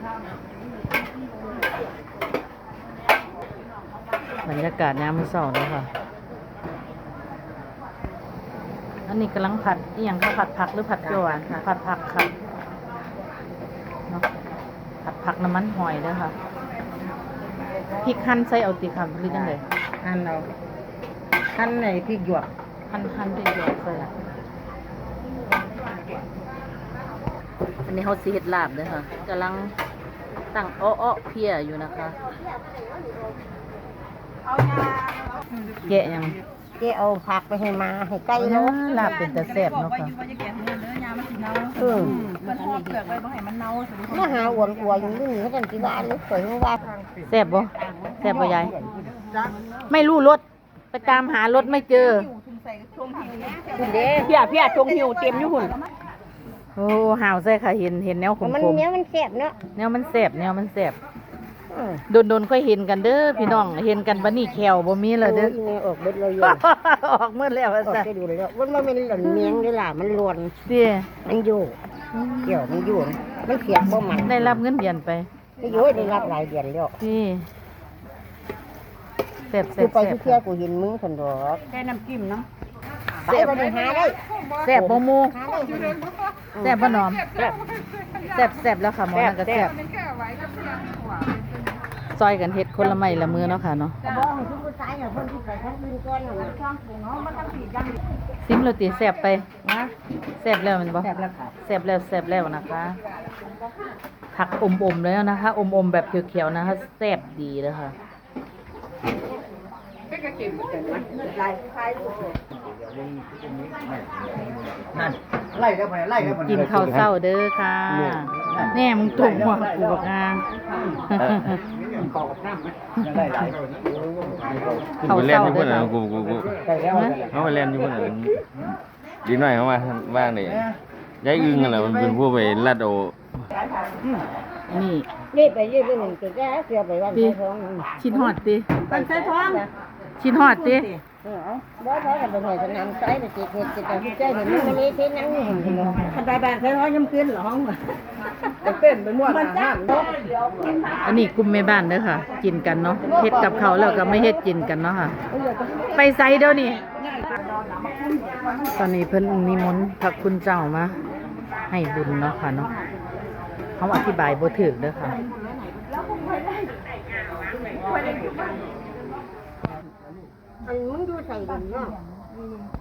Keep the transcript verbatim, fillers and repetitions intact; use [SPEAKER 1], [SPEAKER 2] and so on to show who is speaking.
[SPEAKER 1] บรรยากาศยามมื้อเช้าเลยค่ะอันนี้กำลังผัดอีหยังคะผัดผักหรือผัดเขียวหวานผัดผักค่ะเนาะผัดผักน้ำมันหอยเด้อค่ะพริกหั่นใส่เอาติค่ะหรือจังได๋
[SPEAKER 2] หั่นเอาหั่นในพริกหยวก
[SPEAKER 1] หั่นหั่นพริกหยวกใส่อันนี้เขาสิเฮ็ดลาบเด้อค่ะกำลังตั้งอ้อๆเพียอยู่นะคะแกะยัง
[SPEAKER 2] เจ๊เอาผักไปให้มาให้ไก่เนาะ
[SPEAKER 1] ลาบเป็นแต่แซ่บเนาะค่ะ
[SPEAKER 2] เออมาหาอ้วนอ้วนอยู่นี่เขาจังสิว่าลูกสวยว่า
[SPEAKER 1] แซ่บบ่แซ่บบ่ยายไม่รู้รถไปตามหารถไม่เจอ
[SPEAKER 2] คุณเด้พี่อ่ะพี่อ่ะจงหิวเต็มอยู่หุ่น
[SPEAKER 1] โอ้ห่าวใส่ค่ะเห็นเห็นแนวขมๆมัน
[SPEAKER 2] แนวมันแซ่บเนาะ
[SPEAKER 1] แนวมันแซ่บแนวมันแซ่บโดนๆค่อยเห็นกันเด้อพี่น้องเห็นกันบัดนี้แขวบ่มีแล้วเด้อ
[SPEAKER 2] ออกเบิดเลย
[SPEAKER 1] ออกหมดแล้วว่าซั่น
[SPEAKER 2] ได้ดูแล้วมันบ่แม่นหล่นเมียงเด้ล่ะมันล้วน
[SPEAKER 1] ติ
[SPEAKER 2] มันอยู่เกี่ยวมันอยู่มันเสียบบ่มัน
[SPEAKER 1] ได้รับเงินเดือนไป
[SPEAKER 2] ได้อยู่ได้รับรายเดือนแล้ว
[SPEAKER 1] นี่แซ่บๆ
[SPEAKER 2] ๆไปเที่ยวกูเห็นมึงซั่นดอกแค่น้ำจิ้มเนาะไปบ่ได้หาได้
[SPEAKER 1] แซ่บบ่หมู่แซ่บบ่น้อมแซ่บแซ่บแซ่บแล้วค่ะหมอนั่นก็แซ่บซอยกันเฮ็ดคนละไม้ละมือเนาะค่ะเนาะซิมโรตีแซ่บไปนะแซ่บแล้วมันบ่แซ่บแล้วค่ะแซ่บแล้วแซ่บแล้วนะคะผักอมๆแล้วนะคะอมๆแบบเขียวๆนะคะแซ่บดีเลยค่ะ
[SPEAKER 3] นั่นไล่กันไปไล่กันไป
[SPEAKER 1] กินข้าวเช้าเด้อค่ะแน่มึงตุ่มหัวกูบักอ่า
[SPEAKER 4] เขาเล่นอยู่พุ่นน่ะกูกูกูเขาไปเล่นอยู่พุ่นน่ะดีหน่อยเขามาบ้างนี่ยายอึ้งนั่นแหละมันเป็นผู้ไปลัดโอ
[SPEAKER 1] นี่
[SPEAKER 2] นี่ไปยืดไปหนึ่งตัวแก่เสียไปวันใส่ท้อง
[SPEAKER 1] ชิ้นหอดติ
[SPEAKER 2] วันใส่ท้อง
[SPEAKER 1] ชิ้นหอดติ
[SPEAKER 2] เออเอาบ่ท้องกันไปหน่อยสนามไซไปจิกเฮ็ดจิกเอาที่ใจเห็นมันนี่ที่นั่งนี่คันไปบ้านใส่ท้องยำขึ้นหรอห้องเต้นไปมั่วมันจ้า
[SPEAKER 1] อันนี้กลุ่มแม่บ้านเด้อค่ะกินกันเนาะเฮ็ดกับเขาแล้วก็ไม่เฮ็ดกินกันเนาะค่ะไปไสเดี๋ยวนี้ตอนนี้เพิ่นนิมนต์พระคุณเจ้ามาให้บุญเนาะค่ะเนาะเขาอธิบายบ่ถูกเด้อค่ะ
[SPEAKER 2] มึงดูใส่ดินเนาะ